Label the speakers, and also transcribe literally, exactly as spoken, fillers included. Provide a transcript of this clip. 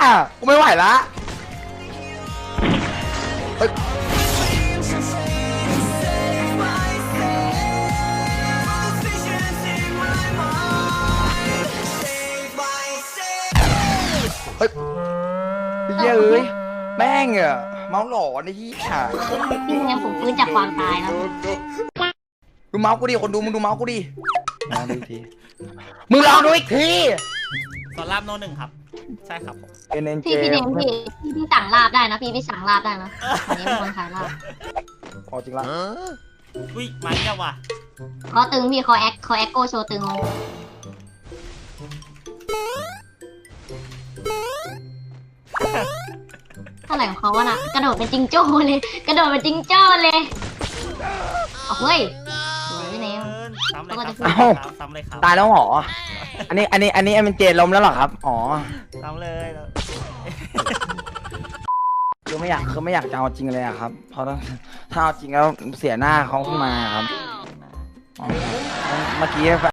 Speaker 1: กูไม่ไหวละเฮ้ยเฮ้ยเย้ยแม่งอะเมาหลอนไอ้ที่อ่ะ
Speaker 2: พี่เนมผมฟื้นจากความตายแล้ว
Speaker 1: ดูเมาส์กูดิคนดูมึงดูเมาส์กูดิลองดูอีกทีมึงลองดูอีกที
Speaker 3: สอนรามโนหนึ่งครับใช่ครับผม
Speaker 1: เอ็นเอ็นเจ
Speaker 2: พี่พี่เนมพี่พี่พี่สั่งลาบได้นะพี่พี่สั่งลาบได้นะอันนี้เป็นคนขายลาบ
Speaker 1: อ๋อจริงละ
Speaker 3: อุ้ยมาเนี่ยว่ะ
Speaker 2: คอตึงพี่คอแอคคอแอคโกโชว์ตึงเท่าไหร่ของเขาวะน่ะกระโดดเป็นจิงโจ้เลยกระโดดเป็นจิงโจ้เลยเอาเฮ้ยสวยพี่เนม
Speaker 3: ซ้ำเลยครับซ้ำเลยครับ
Speaker 1: ตายแล้วเหรออันนี้อันนี้อันนี้เอ็นเอ็นเจล้มแล้วเหรอครับอ๋อ
Speaker 3: ซ้ำเลย
Speaker 1: คือไม่อยากคือไม่อยากจะเอาจริงเลยอะครับเพราะถ้าถ้าเอาจริงแล้วเสียหน้าเขาขึ้นมาครับอ๋อเมื่อกี้